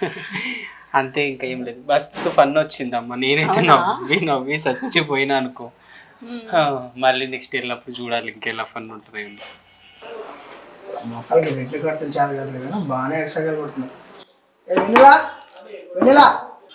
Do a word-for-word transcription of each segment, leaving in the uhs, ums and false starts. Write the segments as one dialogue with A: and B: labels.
A: అంతే, ఇంకా ఏం లేదు. మస్తు ఫన్ వచ్చిందమ్మా. నేనైతే నవ్వి నవ్వి చచ్చిపోయినా అనుకో. మళ్ళీ నెక్స్ట్ వెళ్ళినప్పుడు చూడాలి ఇంకెలా ఫన్ ఉంటుంది.
B: మొక్కలకి రెట్లు కట్టలు చాలా కదా కానీ బాగానే ఎక్స్ట్రా కొడుతున్నాయి. వెన్నెలా వెన్నెలా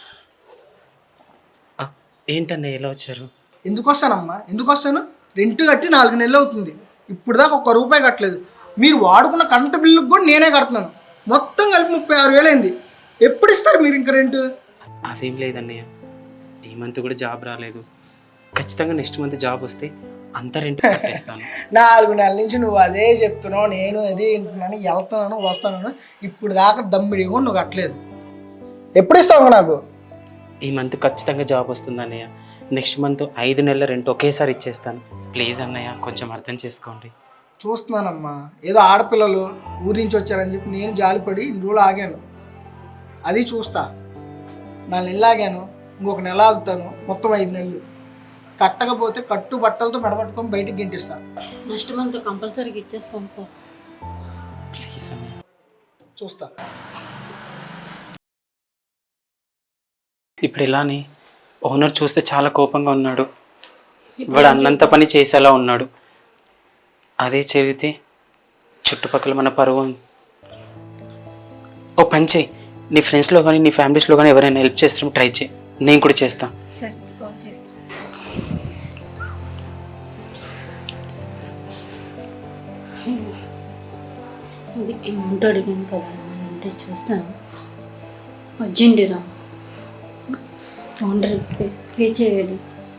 A: ఏంటండి ఎలా వచ్చారు?
B: ఎందుకు వస్తానమ్మా, ఎందుకు వస్తాను? రెంట్ కట్టి నాలుగు నెలలు అవుతుంది, ఇప్పుడు దాకా ఒక్క రూపాయి కట్టలేదు. మీరు వాడుకున్న కరెంటు బిల్లుకి కూడా నేనే కడుతున్నాను. మొత్తం కలిపి ముప్పై ఆరు వేలు అయింది. ఎప్పుడు ఇస్తారు మీరు ఇంకా రెంట్?
A: అదేం లేదన్నయ్య, ఈ మంత్ కూడా జాబ్ రాలేదు. ఖచ్చితంగా నెక్స్ట్ మంత్ జాబ్ వస్తే అంత రెంట్ కట్టేస్తాను.
B: నాలుగు నెలల నుంచి నువ్వు అదే చెప్తున్నావు, నేను అదే వింటున్నాను, వెళ్తున్నాను వస్తాను. ఇప్పుడు దాకా దమ్మిడి కూడా నువ్వు కట్టలేదు. ఎప్పుడు ఇస్తావు నాకు?
A: ఈ మంత్ ఖచ్చితంగా జాబ్ వస్తుంది అన్నయ్య. నెక్స్ట్ మంత్ ఐదు నెలల రెంట్ ఒకేసారి ఇచ్చేస్తాను. ప్లీజ్ అన్నయ్య, కొంచెం అర్థం చేసుకోండి.
B: చూస్తున్నానమ్మా, ఏదో ఆడపిల్లలు ఊరి నుంచి వచ్చారని చెప్పి నేను జాలిపడి ఇన్ని రోజులు ఆగాను. అది చూస్తా. నాలుగు నెలలు ఆగాను, ఇంకొక నెల ఆగుతాను, మొత్తం ఐదు నెలలు. కట్టకపోతే కట్టు బట్టలతో మెడపట్టుకొని బయటికి గెంటిస్తా.
C: నెక్స్ట్ మంత్ కంపల్సరీగా ఇచ్చేస్తాను సార్.
A: ప్లీజ్ అన్నయ్య
B: చూస్తా.
A: ఇప్పుడు ఇలానే ఓనర్ చూస్తే చాలా కోపంగా ఉన్నాడు. వాడు అన్నంత పని చేసేలా ఉన్నాడు. అదే జరిగితే చుట్టుపక్కల మన పరువు. ఓ పని చేయి, నీ ఫ్రెండ్స్లో కానీ నీ ఫ్యామిలీస్లో కానీ ఎవరైనా హెల్ప్ చేస్తాం ట్రై చేయి, నేను కూడా చేస్తాను.
C: సరే కాల్ చేస్తాను. అది ఏమంటూ అడిగాను కదా, అంటే చూస్తాను. అర్జెంటురా ఓనర్ పే పే చేయాలి.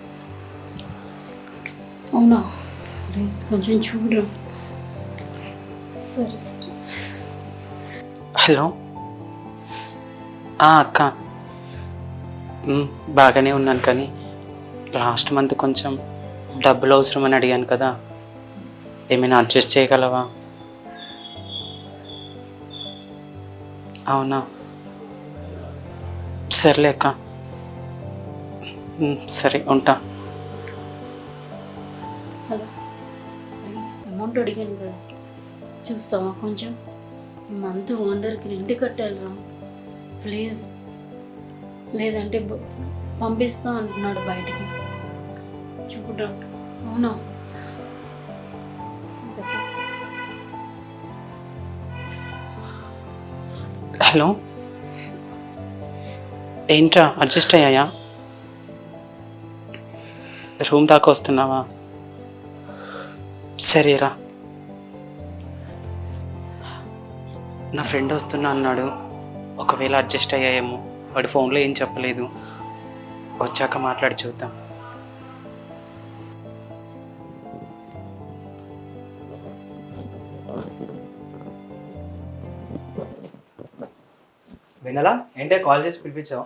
C: అవునా, అరే కొంచెం చూడరా. సరే సరే.
A: హలో అక్క, బాగానే ఉన్నాను కానీ లాస్ట్ మంత్ కొంచెం డబ్బులు అవసరమని అడిగాను కదా, ఏమైనా అడ్జస్ట్ చేయగలవా? అవునా, సర్లే అక్క, సరే ఉంటా.
C: హలో, అమౌంట్ అడిగాను కదా, చూస్తావా కొంచెం? మంత్ ఓనర్కి రెంట్ కట్టాలిరా ప్లీజ్, లేదంటే పంపిస్తా అంటున్నాడు బయటికి. చూడరా. అవునా, సరే సరే.
A: హలో, ఏంట్రా అడ్జస్ట్ అయ్యాయా? రూమ్ దాకా వస్తున్నావా? సరేరా. నా ఫ్రెండ్ వస్తున్నా అన్నాడు, ఒకవేళ అడ్జస్ట్ అయ్యాయేమో. వాడి ఫోన్లో ఏం చెప్పలేదు, వచ్చాక మాట్లాడి చూద్దాం.
D: వెన్నెలా, ఏంటే కాల్ చేసి పిలిపించావు?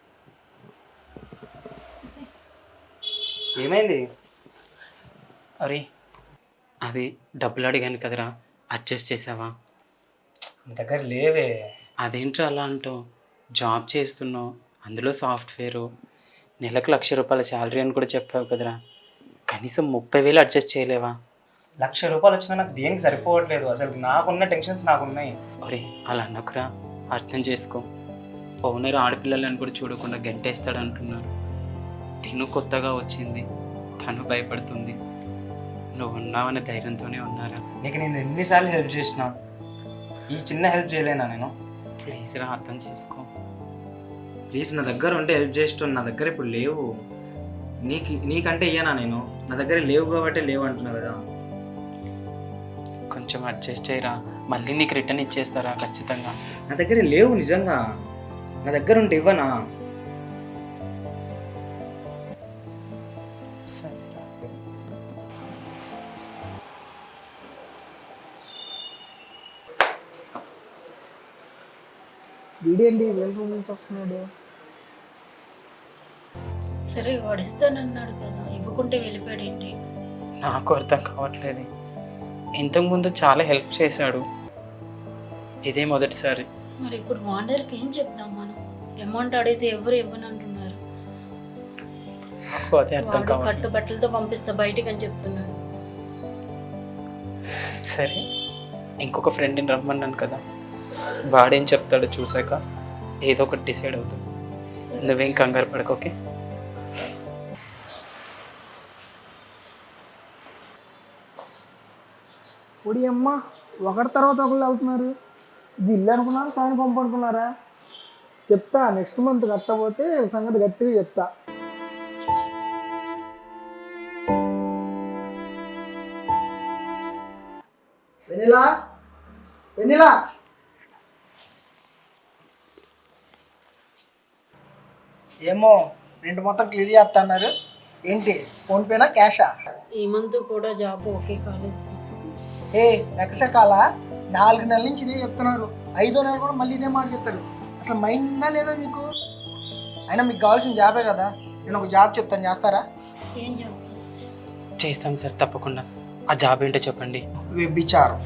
D: ఏమైంది?
A: అరే అది డబ్బులు అడిగాను కదరా, అడ్జస్ట్ చేసావా?
D: నీ దగ్గర లేవే.
A: అదేంట్రా అలా అంటావు? జాబ్ చేస్తున్నావు, అందులో సాఫ్ట్వేరు, నెలకు లక్ష రూపాయల శాలరీ అని కూడా చెప్పావు కదరా, కనీసం ముప్పై వేలు అడ్జస్ట్ చేయలేవా?
D: లక్ష రూపాయలు వచ్చినా నాకు దేనికి సరిపోవట్లేదు. అసలు నాకున్న టెన్షన్స్ నాకున్నాయి.
A: అరే అలా అన్నకురా, అర్థం చేసుకో. ఓనర్ ఆడపిల్లలని కూడా చూడకుండా గంటేస్తాడు అంటున్నారు. తిను కొత్తగా వచ్చింది, తను భయపడుతుంది. నువ్వు ఉన్నావనే ధైర్యంతోనే ఉన్నారా.
D: నీకు నేను ఎన్నిసార్లు హెల్ప్ చేసినా, ఈ చిన్న హెల్ప్ చేయలేనా నేను?
A: ప్లీజ్ రా, అర్థం చేసుకో.
D: ప్లీజ్, నా దగ్గర ఉంటే హెల్ప్ చేస్తాను, నా దగ్గర ఇప్పుడు లేవు. నీకు నీకంటే ఇయ్యనా నేను? నా దగ్గర లేవు కాబట్టి లేవు అంటున్నా కదా.
A: కొంచెం అడ్జస్ట్ చేయరా, మళ్ళీ నీకు రిటర్న్ ఇచ్చేస్తారా ఖచ్చితంగా.
D: నా దగ్గర లేవు నిజంగా, నా దగ్గర ఉంటే ఇవ్వనా?
A: సరేరా.
B: వీడేంటి వేల రూమ్ నుంచి వస్తున్నాడు?
C: సరే వాడు ఇస్తానన్నాడు కదా, ఇవ్వకుంటే వెళ్ళిపోయాడు ఏంటి?
A: నాకు అర్థం కావట్లేదు. ఇంతకుముందు చాలా హెల్ప్ చేశాడు, ఇదే మొదటిసారి.
C: మరి ఇప్పుడు ఓనర్కి ఏం చెప్దాం మనం? అమౌంట్ అడిగితే ఎవరు ఇవ్వను అంటున్నారు.
A: నాకు అదే అర్థం
C: వాడు
A: కావట్లేదు.
C: కట్టు బట్టలతో పంపిస్తా బయటికి అని చెప్తున్నాడు.
A: సరే, ఇంకొక ఫ్రెండ్ని రమ్మన్నాను కదా, వాడేం చెప్తాడో చూసాక ఏదో ఒకటి డిసైడ్ అవుతాం. నువ్వేం కంగారు పడకు, ఓకే?
B: పొడి అమ్మ ఒకటి తర్వాత ఒకళ్ళు వెళ్తున్నారు. ఇది ఇల్లు అనుకున్నారా సాయం పంపు అనుకున్నారా? చెప్తా, నెక్స్ట్ మంత్ కట్టకపోతే సంగతి గట్టిగా చెప్తా. వెనిలా వెనిలా ఏమో రెండు మొత్తం క్లియర్ చేస్తా అన్నారు. ఏంటి ఫోన్పేనా క్యాషా?
C: ఈ మంత్ కూడా జాబ్ ఓకే కాలేజ్.
B: ఏ ఎక్కసకాల నాలుగు నెలల నుంచి ఇదే చెప్తున్నారు, ఐదో నెల కూడా మళ్ళీ ఇదే మాట చెప్తారు. అసలు మైండ్ ఉందా లేదా మీకు? అయినా మీకు కావాల్సిన జాబే కదా. నేను ఒక జాబ్ చెప్తాను, చేస్తారా?
C: ఏం జాబ్ సార్?
A: చేస్తాం సార్, తప్పకుండా. ఆ జాబ్ ఏంటో చెప్పండి.
B: వ్యభిచారం.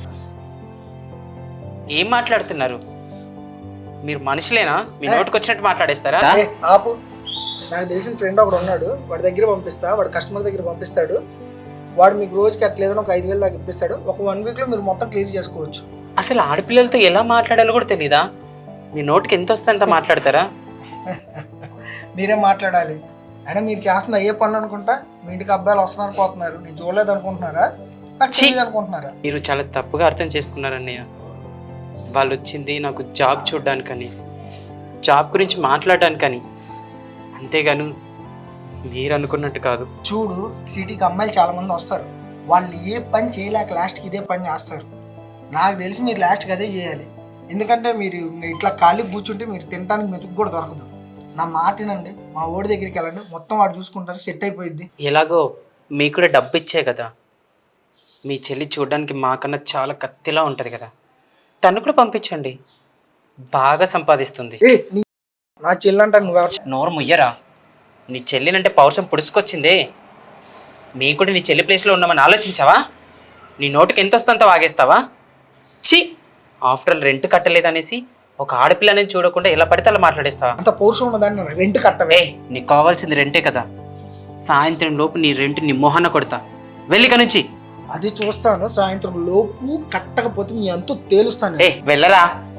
A: ఏం మాట్లాడుతున్నారు మీరు? మనుషులేనా? మీ నోటికి వచ్చినట్టు మాట్లాడేస్తారా?
B: ఏ, ఆపు. నాకు తెలిసిన ఫ్రెండ్ ఒకడు ఉన్నాడు, వాడి దగ్గర పంపిస్తా. వాడు కస్టమర్ దగ్గర పంపిస్తాడు. వాడు మీకు రోజుకి అట్లేదని ఒక ఐదు వేలు దాకా ఇప్పిస్తాడు. ఒక వన్ వీక్లో మీరు మొత్తం క్లియర్ చేసుకోవచ్చు.
A: అసలు ఆడపిల్లలతో ఎలా మాట్లాడాలో కూడా తెలీదా? మీ నోటికి ఎంత వస్తుందంత మాట్లాడతారా?
B: మీరే మాట్లాడాలి. అయినా మీరు చేస్తున్న ఏ పనులు అనుకుంటా మీ ఇంటికి అబ్బాయిలు వస్తున్నారు పోతున్నారు. నేను చూడలేదు అనుకుంటున్నారా? నాకు తెలియదు అనుకుంటున్నారా?
A: మీరు చాలా తప్పుగా అర్థం చేసుకున్నారన్నయ్య. వాళ్ళు వచ్చింది నాకు జాబ్ చూడడానికని, జాబ్ గురించి మాట్లాడడానికని, అంతేగాను మీరు అనుకున్నట్టు కాదు.
B: చూడు, సిటీకి అమ్మాయిలు చాలా మంది వస్తారు. వాళ్ళు ఏ పని చేయలేక లాస్ట్కి ఇదే పని చేస్తారు. నాకు తెలిసి మీరు లాస్ట్కి అదే చేయాలి. ఎందుకంటే మీరు ఇంకా ఇట్లా ఖాళీ కూర్చుంటే మీరు తినడానికి మెతుకు కూడా దొరకదు. నా మాట వినండి, మా ఓడి దగ్గరికి వెళ్ళండి, మొత్తం వాడు చూసుకుంటారు, సెట్ అయిపోయింది.
A: ఎలాగో మీకు కూడా డబ్బు ఇచ్చే కదా. మీ చెల్లి చూడడానికి మాకన్నా చాలా కత్తిలా ఉంటుంది కదా, తను కూడా పంపించండి, బాగా సంపాదిస్తుంది.
B: ఏ నీ నా చెల్లంట నువ్వు ఎవరు?
A: నోరు ముయ్యరా. నీ చెల్లినంటే పౌరుషం పుడుచుకొచ్చిందే. మీ కూడా నీ చెల్లి ప్లేస్లో ఉన్నామని ఆలోచించావా? నీ నోటికి ఎంత వస్తుందో వాగేస్తావా? ఛీ, ఆఫ్టర్ ఆల్ రెంట్ కట్టలేదనేసి ఒక ఆడపిల్లని చూడకుండా ఎలా పడితే అలా మాట్లాడేస్తావా?
B: అంత పౌరుషం ఉన్నదాన్ని రెంట్ కట్టవే.
A: ఏ, నీకు కావాల్సింది రెంటే కదా. సాయంత్రం లోపు నీ రెంట్ నీ మొహన కొడతా. వెళ్ళిక నుంచి.
B: అది చూస్తాను. సాయంత్రం లోపు కట్టకపోతే మీ అంతా తేలుస్తాను.
A: ఏ వెళ్ళరా.